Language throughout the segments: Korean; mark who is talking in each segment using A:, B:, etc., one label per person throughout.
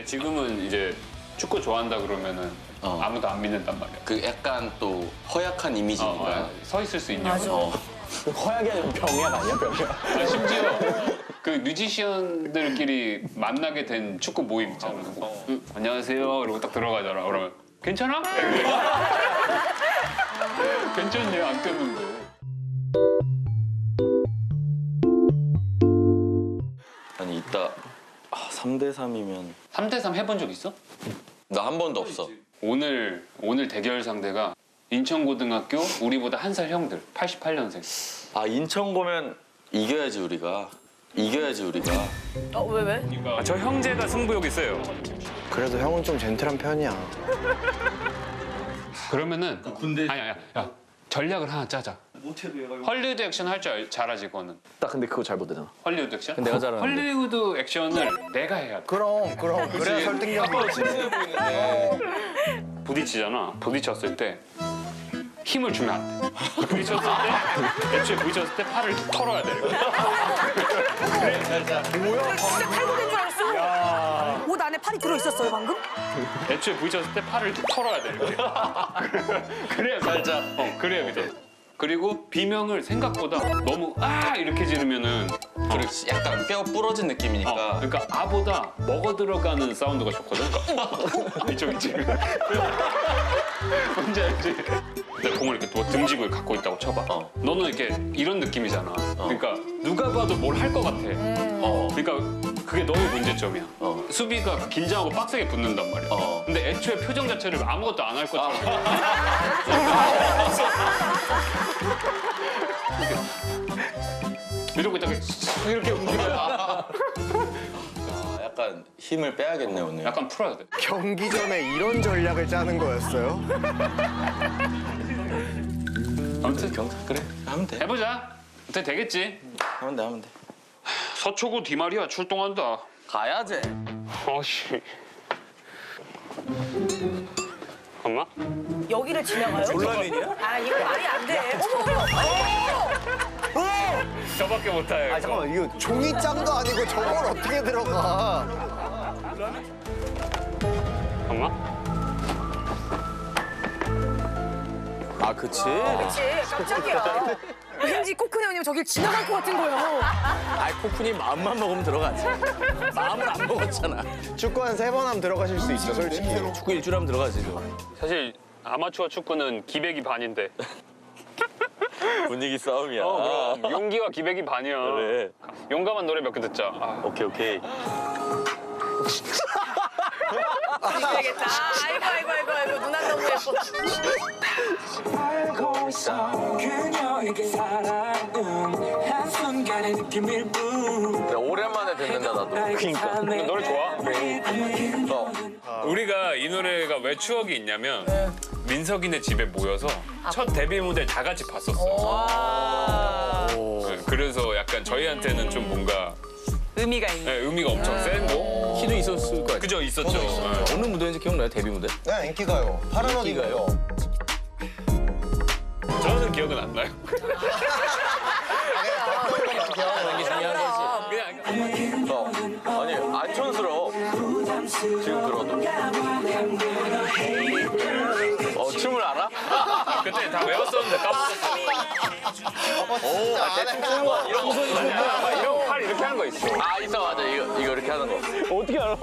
A: 근데 지금은 이제 축구 좋아한다 그러면은 아무도 안 믿는단 말이야.
B: 그 약간 또 허약한 이미지니까.
A: 서 있을 수 있냐고.
C: 맞아. 허약이 아니라 병약 아니야, 병약?
A: 아니, 심지어 그 뮤지션들끼리 만나게 된 축구 모임 있잖아. 안녕하세요. 이러고 딱 들어가잖아. 그러면 괜찮아? 괜찮네요. 안 꼈는데.
B: 아니 이따 3대 3이면
A: 3대3 해본 적 있어?
B: 나 한 번도 없어.
A: 오늘 대결 상대가 인천고등학교 우리보다 한 살 형들 88년생.
B: 아 인천 고면 이겨야지 우리가.
D: 왜?
A: 저 형제가 승부욕 있어요.
C: 그래도 형은 좀 젠틀한 편이야.
A: 그러면은 아니야 야 전략을 하나 짜자. 헐리우드 액션 할 줄 잘하지 그거는.
C: 나 근데 그거 잘 못하잖아.
A: 헐리우드 액션?
C: 내가 잘하는데.
A: 헐리우드 액션을 내가 해야 돼.
C: 그럼. 그래야 설득력이 있지.
A: 부딪히잖아. 부딪혔을 때 힘을 주면 안 돼. 애초에 부딪혔을 때 팔을 털어야 돼.
D: 진짜 탈북인 줄 알았어. 옷 안에 팔이 들어있었어요, 방금?
A: 애초에 부딪혔을 때 팔을 털어야 돼. 이렇게. 그래야
B: 살짝.
A: 그래야 믿어. 그리고 비명을 생각보다 너무 이렇게 지르면은
B: 그리고 약간 뼈 부러진 느낌이니까.
A: 그러니까 아보다 먹어 들어가는 사운드가 좋거든. 그러니까 이쪽. 뭔지 알지? 내가 공을 이렇게 뭐 등지고 갖고 있다고 쳐봐. 너는 이렇게 이런 느낌이잖아. 그러니까 누가 봐도 뭘 할 것 같아. 그러니까 그게 너의 문제점이야. 수비가 긴장하고 빡세게 붙는단 말이야. 근데 애초에 표정 자체를 아무것도 안 할 것처럼. 이러고 있다가 이렇게 움직여야
B: 약간 힘을 빼야겠네 오늘.
A: 약간 풀어야 돼.
C: 경기 전에 이런 전략을 짜는 거였어요?
A: 아무튼
B: 그래 하면 돼.
A: 해보자. 어떻게 되겠지?
B: 하면 돼.
A: 서초구 디마리아 출동한다.
B: 가야지.
A: 아씨. 엄마?
D: 여기를 지나가요?
C: 졸라맨이야?
D: 아, 이거 말이 안 돼. 어머!
A: 저밖에 못해.
C: 아 잠깐만 이거 종이장도 아니고 저걸 어떻게 들어가?
A: 엄마?
C: 아 그치?
D: 그치, 깜짝이야. 왠지 코크네 형님 저길 지나갈 것 같은 거예요.
E: 아이 코쿤이 마음만 먹으면 들어가지. 마음을 안 먹었잖아.
C: 축구 한 3번 하면 들어가실 수 있어 솔직히.
E: 축구 일주일 하면 들어가지. 저.
A: 사실 아마추어 축구는 기백이 반인데.
B: 분위기 싸움이야.
A: 그럼 용기와 기백이 반이야.
B: 그래.
A: 용감한 노래 몇 개 듣자.
B: 오케이.
D: 되겠다. 아이고, 누나 너무 예뻐.
F: 알고 있어 그녀에게 사랑은 한순간의 느낌일 뿐
B: 오랜만에 듣는다 나도.
F: 그러니까
A: 노래 좋아? 우리가 이 노래가 왜 추억이 있냐면 민석이네 집에 모여서 첫 데뷔 무대를 다 같이 봤었어. 그래서 약간 저희한테는 좀 뭔가
D: 의미가 있네.
A: 의미가 엄청 센 거.
E: 키도 있었을 거 같아.
A: 그죠, 있었죠. 네.
E: 어느 무대인지 기억나요? 데뷔 무대?
C: 네 인기가요. 파란 옷 입고요.
A: 저는 기억은 안 나요.
E: 하는 게 중요한 거지.
B: 아니 안 촌스러워. 지금 들어도. 춤을 알아?
A: 그때 다 외웠었는데 까먹었어.
B: 대충 추는 거 이런 거.
A: 이런 팔 이렇게 하는 거 있어.
B: 있어 맞아 이거 이렇게 하는 거.
A: 어떻게 알아?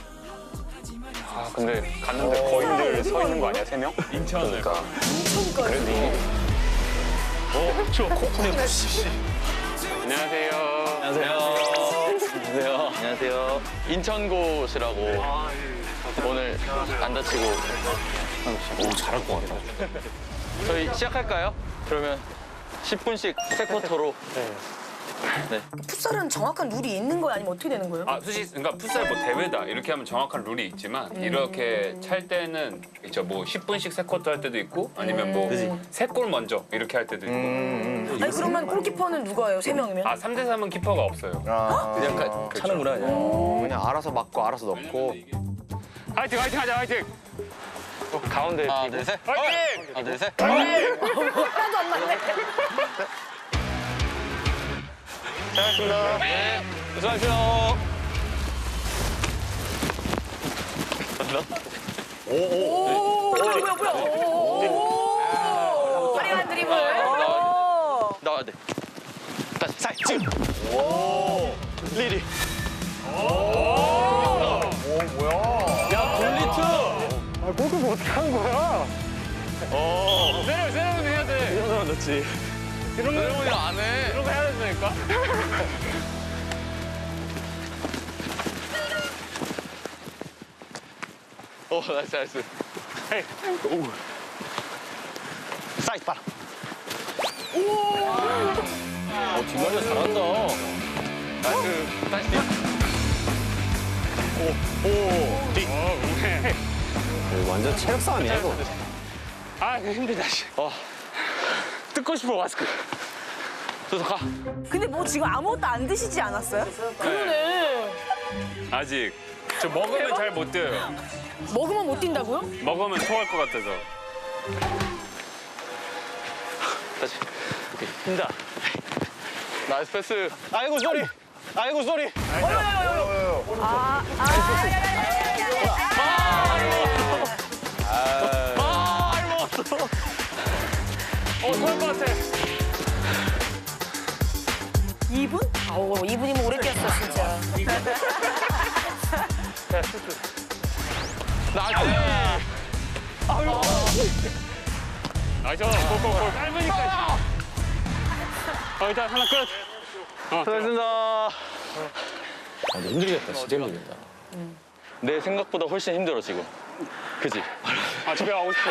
A: 근데 갔는데 거인들 서 있는 거 아니야, 3명? 인천을.
B: 그러니까.
A: 그래도 이게. 추워. 코코넛. 안녕하세요.
B: 안녕하세요. 인천고시라고 오늘 안 다치고.
A: 잘할 것 같아.
B: 저희 시작할까요? 그러면 10분씩 세 쿼터로.
D: 풋살은 정확한 룰이 있는 거야? 아니면 어떻게 되는 거예요?
A: 솔직히 그러니까 풋살 뭐 대회다 이렇게 하면 정확한 룰이 있지만 이렇게 찰 때는 있죠. 뭐 10분씩 세 쿼터 할 때도 있고 아니면 뭐 세 골 먼저 이렇게 할 때도 있고.
D: 아니, 그러면 골키퍼는 누가 해요? 3명이면?
A: 3대 3은 키퍼가 없어요.
E: 그냥 차는구나.
C: 그냥 알아서 맞고 알아서 넣고.
A: 화이팅 하자 화이팅.
B: 가운데 하나 둘 셋.
A: 화이팅!
B: 하나 둘 셋.
D: 하나도 안 맞네.
B: 수고하셨습니다. 네. 수고하세요.
D: 뭐야. 화려한 드리블.
B: 나와야 돼. 다시 사이즈. 리리.
E: 야 굴리트.
A: 세레모니 해야 돼.
E: 이런 사람 넣지.
B: 세레모니 안 해.
A: 이런 거 해야 된다니까.
B: 나이스.
E: 사이즈 봐라. 뒷말려 잘한다.
B: 나이스. 다시 뒤.
E: 완전 체력 싸움이야 이거.
A: 아 힘들다. 뜯고 싶어 마스크.
B: 저서 가.
D: 근데 뭐 지금 아무것도 안 드시지 않았어요? 그러네.
A: 아직 저 먹으면 잘 못 돼요.
D: 먹으면 못 뛴다고요?
A: 먹으면 토할 것 같아서.
B: 다시. 오케이. 힘다. 나이스 패스.
E: 아이고 쏘리. 아이고 쏘리.
A: 토할 것 같아.
D: 2분? 아우 2분이면 오래 뛰었어 진짜.
A: 나이스. 골. 짧으니까. 일단 하나 끝.
B: 수고하셨습니다.
E: 아, 근데 힘들겠다. 진짜 힘들겠다.
B: 내 생각보다 훨씬 힘들어 지금. 그지?
A: 아 집에 가고 싶어.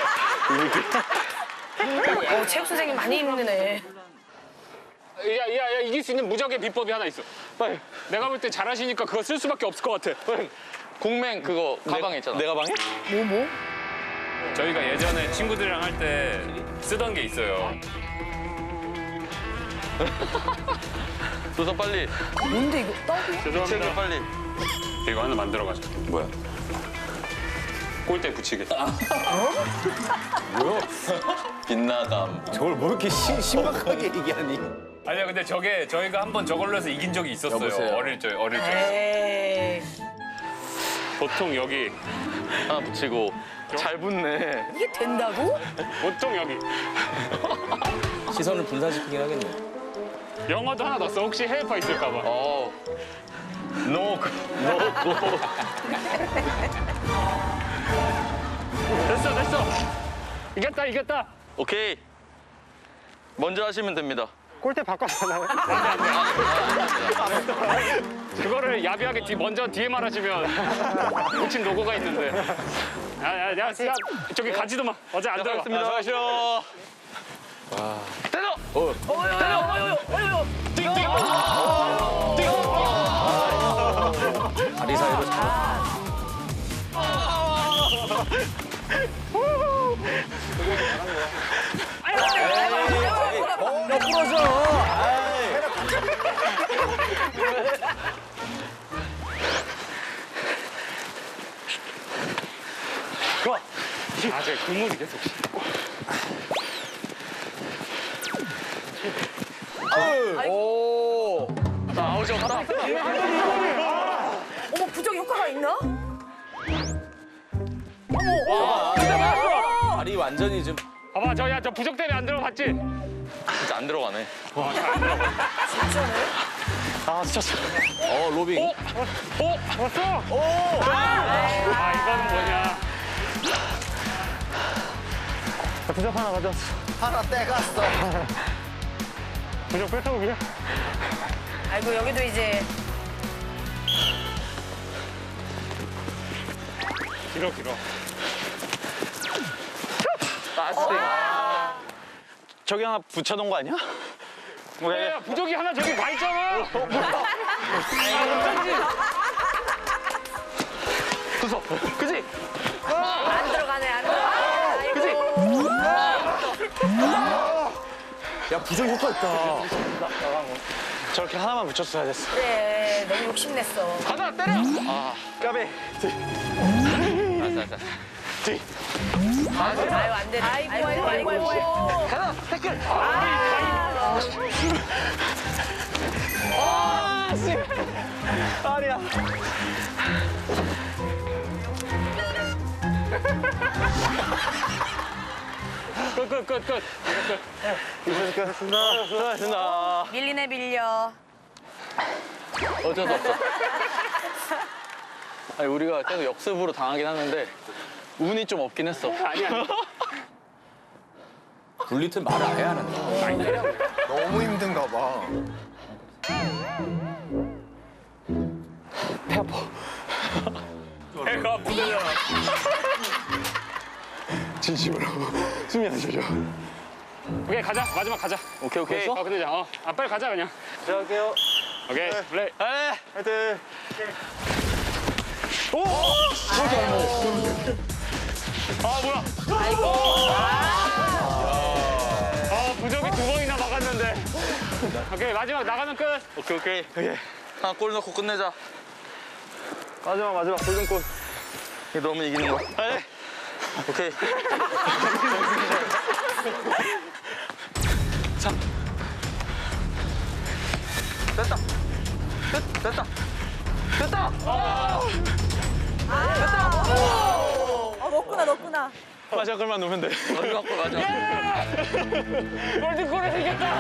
D: 체육 선생님 많이 힘드네.
A: 야 이길 수 있는 무적의 비법이 하나 있어.
B: 빨리.
A: 내가 볼 때 잘하시니까 그거 쓸 수밖에 없을 것 같아.
B: 공맹 그거 가방에 있잖아.
E: 내 가방에?
D: 뭐?
A: 저희가 예전에 친구들이랑 할 때 쓰던 게 있어요.
B: 조선 빨리.
D: 뭔데 이거? 떡이야?
B: 책을
A: 죄송합니다.
B: 빨리.
A: 이거 하나 만들어 가자.
E: 뭐야?
A: 골대 붙이겠다.
E: 뭐야?
B: 빗나감.
E: 저걸 뭐 이렇게 심각하게 얘기하니?
A: 아니야 근데 저게 저희가 한번 저걸로 해서 이긴 적이 있었어요.
E: 여보세요?
A: 어릴 적.
D: 에이.
A: 보통 여기.
B: 하나 붙이고. 잘 붙네.
D: 이게 된다고?
A: 보통 여기.
E: 시선을 분산시키긴 하겠네.
A: 영어도 하나 넣었어. 혹시 해외파 있을까 봐.
B: 노고.
A: 됐어. 이겼다.
B: 오케이. 먼저 하시면 됩니다.
A: 그거를 야비하게 먼저 뒤에 말하시면 붙인 로고가 있는데. 야, 저기 가지도 마. 어제 안 들어가.
B: 수고하셨습니다. 때려!
E: 다리 사이로 잘. 너 부러져.
A: 제 국물이 계속.
E: 오.
B: 자, 아웃이요. 가라.
D: 어머 부적 효과가 있나?
E: 다리 완전히 좀.
A: 봐봐, 저 부적 때문에 안 들어갔지?
B: 진짜 안 들어가네.
E: 로빙.
A: 왔어? 이거는 뭐냐?
C: 하나 떼갔어.
A: 부적 뺏어 오기야?
D: 아이고 여기도 이제
A: 길어.
E: 저기 하나 붙여놓은 거 아니야?
A: 야, 부적이 하나 저기 가 있잖아.
B: 그지?
D: 안 들어가네 안 들어가네.
E: 야 부정 효과 있다.
B: 저렇게 하나만 붙였어야 됐어.
D: 그래 너무 욕심냈어.
B: 가자, 때려! 까비.
D: 아유 안 되네. 아이고.
B: 가자, 태클!
E: 아니야.
A: 끝.
B: 수고하셨습니다.
D: 밀리네 밀려.
B: 어쩔 수 없어. 아니, 우리가 계속 역습으로 당하긴 하는데 운이 좀 없긴 했어.
A: 아니야.
E: 굴리트 말을 안 해야 하는데.
C: 너무 힘든가 봐.
A: 배가 아프대요.
B: 진심으로 숨이 안 쉬어져.
A: 오케이 가자. 마지막 가자.
B: 오케이.
A: 끝내자. 빨리 가자 그냥.
B: 시작할게요.
A: 오케이 플레이.
B: 네. 화이팅.
A: 아 뭐야? 아 부적이 2번이나 막았는데. 오케이 마지막 나가면 끝.
B: 오케이. 하나 골 넣고 끝내자. 마지막 골든골. 이게 너무 이기는 거. 네. 오케이. 자. 됐다. 됐다.
D: 넣구나.
B: 마지막 골만 넣으면 돼. 마지막 골.
A: 골든골이 생겼다.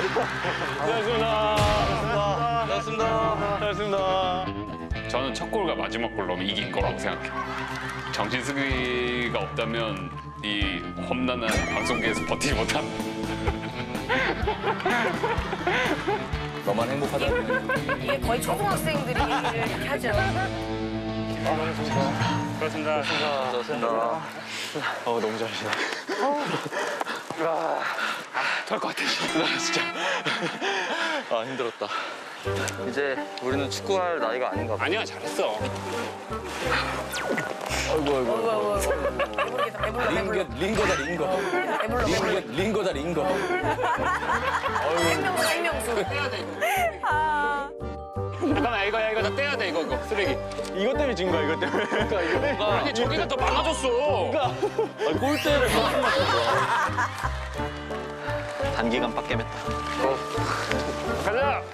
B: 잘했습니다.
A: 저는 첫 골과 마지막 골 넣으면 이긴 거라고 생각해. 정신승리가 없다면 이 험난한 방송계에서 버티지 못한.
E: 너만 행복하다면.
D: 이게 거의 초등학생들이 이렇게 하죠.
A: 그렇습니다.
B: 잘했습니다. 너무 잘하시네.
A: 될것 같아.
B: 진짜. 힘들었다. 이제 우리는 축구할 나이가 아닌가 봐.
A: 아니야 잘했어.
D: 배불러.
E: 링거다, 링거. 링거다, 링거.
D: 생명수.
A: 잠깐만 이거 다 떼야 돼 이거 쓰레기.
B: 이것 때문에 진 거야, 이것 때문에. 그러니까 이거 뭔가
A: 아니 저기가 더 많아졌어.
B: 골대를 막 맞췄어. 단기간 빡 깨맸다.
A: 가자.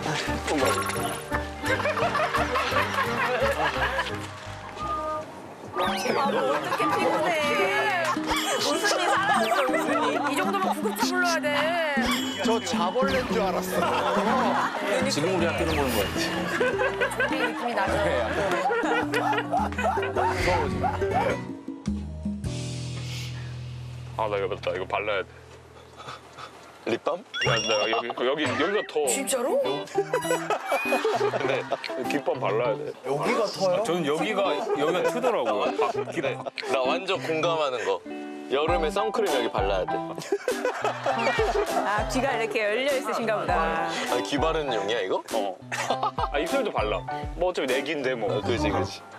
D: 어떻게 피곤해. 웃음이 사라졌어, 웃음이. 이 정도면 구급차 불러야 돼.
C: 저 자벌레인 줄 알았어.
E: 지금 우리 학교는 보는 거야.
D: 이 느낌이 나죠.
A: 아 나 이거 맞다. 이거 발라야 돼.
B: 립밤?
A: 야, 나 여기가 더.
D: 진짜로?
A: 근데 귓밤 발라야 돼.
C: 여기가 터요?
A: 저는 여기가 트더라고요.
B: 나 완전 공감하는 거. 여름에 선크림 여기 발라야 돼.
G: 아, 귀가 이렇게 열려 있으신가 보다.
B: 아니, 귀 바르는 용이야, 이거?
A: 아 입술도 발라. 뭐 어차피 내기인데 뭐.
B: 그지.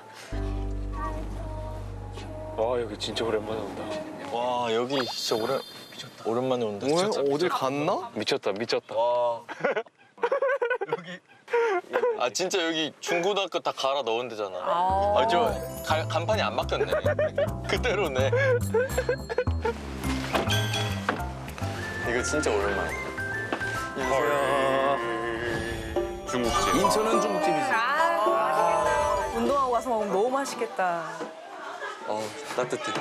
A: 와 여기 진짜 오랜만에 온다.
B: 와, 여기 진짜 오랜만에 온다.
C: 뭐야?
B: 진짜.
C: 어딜 갔나?
A: 미쳤다.
B: 와. 아, 진짜 여기 중고등학교 다 갈아 넣은 데잖아. 간판이 안 바뀌었네. 그대로네. 이거 진짜 오랜만이야. 안녕하세요.
A: 중국집.
E: 인천은 중국집이지.
G: 운동하고 와서 먹으면 너무 맛있겠다.
B: 따뜻해.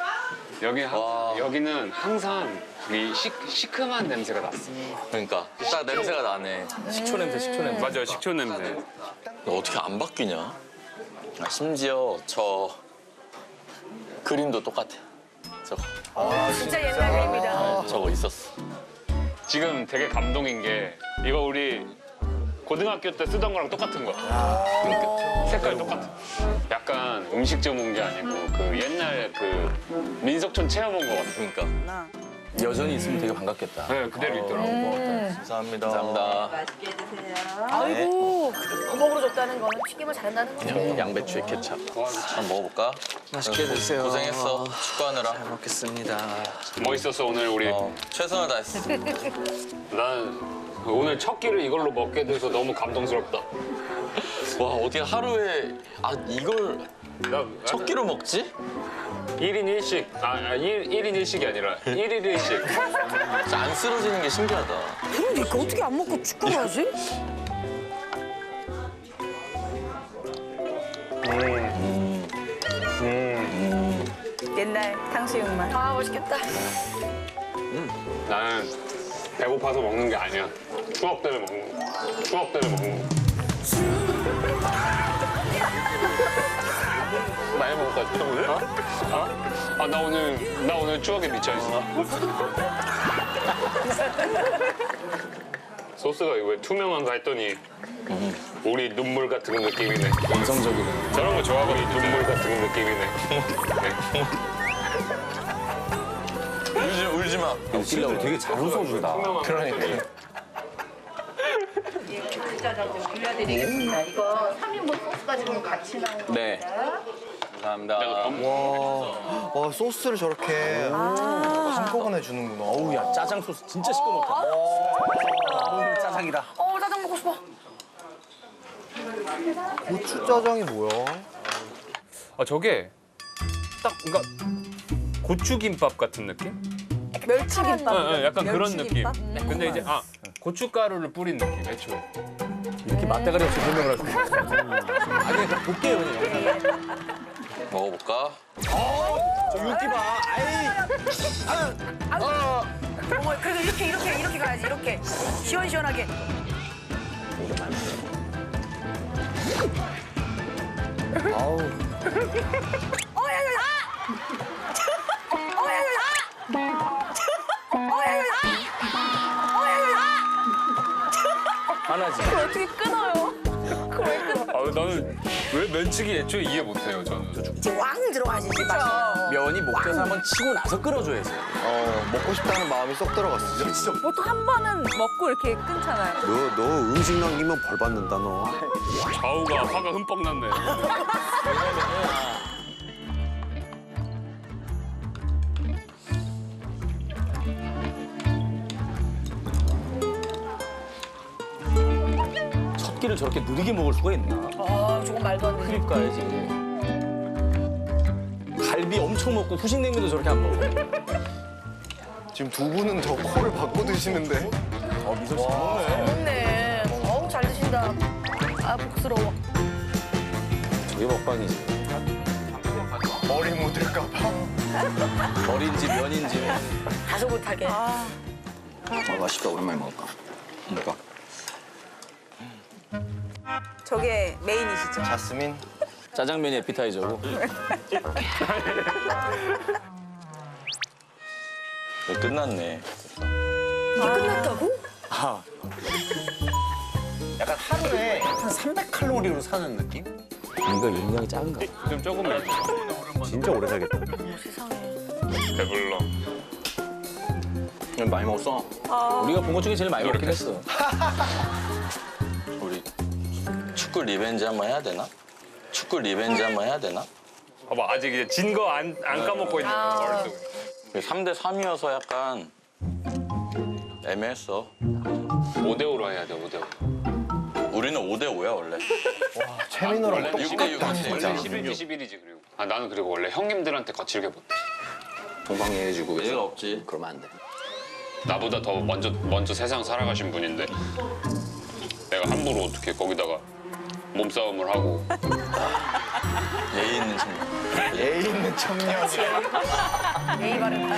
A: 여기는 항상 이 시큼한 냄새가 났어.
B: 그러니까 딱 냄새가 나네.
E: 식초 냄새.
A: 맞아요, 식초 냄새.
B: 너 어떻게 안 바뀌냐? 심지어 저 그림도 똑같아. 저거.
D: 진짜 옛날 그림이다.
B: 저거 있었어.
A: 지금 되게 감동인 게 이거 우리 고등학교 때 쓰던 거랑 똑같은 거야. 그러니까 색깔 똑같아. 약간 음식점 온 게 아니고 그 옛날 그 민속촌 체험 온 거 같아.
B: 그러니까.
E: 여전히 있으면 되게 반갑겠다.
A: 네, 그대로 있더라고.
B: 감사합니다. 감사합니다.
G: 맛있게 드세요.
D: 아이고, 구멍으로 줬다는 거는 튀김을 잘한다는 거죠.
B: 양배추에 케찹. 한번 먹어볼까?
C: 맛있게 드세요.
B: 고생했어. 축구하느라.
C: 먹겠습니다.
A: 멋있었어 오늘 우리.
B: 최선을 다했어.
A: 난 오늘 첫 끼를 이걸로 먹게 돼서 너무 감동스럽다.
B: 와, 어떻게 하루에 이걸 첫 끼로 먹지?
A: 1인 1식. 1인 1식이 아니라 1일 1식.
B: 진짜 안 쓰러지는 게 신기하다.
D: 그러니까 어떻게 안 먹고 축구를 하지?
G: 옛날 탕수육 맛.
D: 아, 맛있겠다.
A: 나는 배고파서 먹는 게 아니야. 추억 때문에 먹는 거. 추억 때문에 먹는 거. 많이 먹었다, 오늘? 아, 나 오늘 추억에 미쳐있어. 소스가 왜 투명한가 했더니 우리 눈물 같은 느낌이네.
E: 감성적이네.
A: 저런 거 좋아하거든. 눈물 같은 느낌이네.
B: 울지 마.
E: 웃기려고 되게 잘 웃어준다.
B: 그러니까.
H: 빌려드리겠습니다. 이거 3인분 소스가 지금 같이 나온 겁니다.
E: 네. 감사합니다.
C: 와 소스를 저렇게 한꺼번에 주는구나.
E: 어우, 야, 짜장 소스 진짜 시끄럽다. 어우, 짜장이다.
D: 짜장 먹고 싶어.
C: 고추 짜장이 뭐야?
A: 아, 저게 딱 그러니까 고추김밥 같은 느낌?
G: 멸치김밥.
A: 약간 그런 느낌.
G: 멸치김밥?
A: 근데 이제 고춧가루를 뿌린 느낌, 애초에.
E: 이렇게 맞대가리 없이 설명을 할 수 있어. 아니, 그냥 볼게요, 그냥.
B: 먹어볼까?
E: 저 윤기 봐.
D: 어머, 그래도 이렇게 가야지. 이렇게 시원시원하게.
C: 아우
E: 하나지.
G: 어떻게 끊어요? 그걸 왜 끊어?
A: 아, 나는 왜 면치기 애초에 이해 못해요, 저는.
D: 이제 왕 들어가야지. 이제 맛이.
E: 면이 목젖을 한번 치고 나서 끓여줘야지.
C: 먹고 싶다는 마음이 쏙 들어갔어. 진짜.
G: 보통 한 번은 먹고 이렇게 끊잖아요.
C: 너 음식 남기면 벌 받는다 너.
A: 좌우가 화가 흠뻑 났네.
E: 첫 끼를 저렇게 느리게 먹을 수가 있나?
D: 조금 말도 안 돼.
E: 크립 가야지. 갈비 엄청 먹고 후식냉면도 저렇게 안 먹어.
C: 지금 두 분은 더 코를 박고 드시는데.
E: 미소 씨 먹네.
D: 먹네. 어우, 잘 드신다. 아, 복스러워.
E: 저게 먹방이지.
C: 머리 묻을까봐.
E: 머리인지 면인지.
D: 다소 못하게.
B: 맛있다. 오랜만에 먹을까? 그러니까.
G: 저게 메인이시죠?
C: 자스민.
E: 짜장면이 에피타이저고.
B: 끝났네.
D: 이게 끝났다고?
E: 약간 하루에 한 300칼로리로 사는 느낌? 이거 용량이 작은가?
A: 좀 조금만.
C: 진짜 오래 살겠다.
A: 배불러.
B: 많이 먹었어.
E: 우리가 본 것 중에 제일 많이 먹긴 했어.
B: 우리 축구 리벤지 한번 해야 되나? 축구 리벤지 한번 해야 되나?
A: 봐봐, 아직 이제 진 거 안 까먹고 있는 거 머릿속에.
B: 3대 3이어서 약간 애매했어.
A: 5대5로 해야 돼, 5대5.
B: 우리는 5대 5야 원래.
C: 최민호랑
A: 원래
C: 똑같다
B: 6대6 이지.
C: 진짜.
A: 11대 11이지, 그리고. 아, 나는 그리고 원래 형님들한테 거칠게 못해.
B: 동방예해지고 얘가 없지.
E: 그러면 안 돼.
A: 나보다 더 먼저 세상 살아가신 분인데 내가 함부로 어떻게 거기다가 몸싸움을 하고.
B: 예의 있는 친구.
C: 애 있는 청년.
D: 예의 바르다.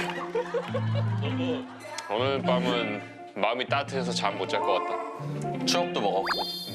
A: 오늘 밤은 마음이 따뜻해서 잠 못 잘 것 같다.
B: 추억도 먹었고.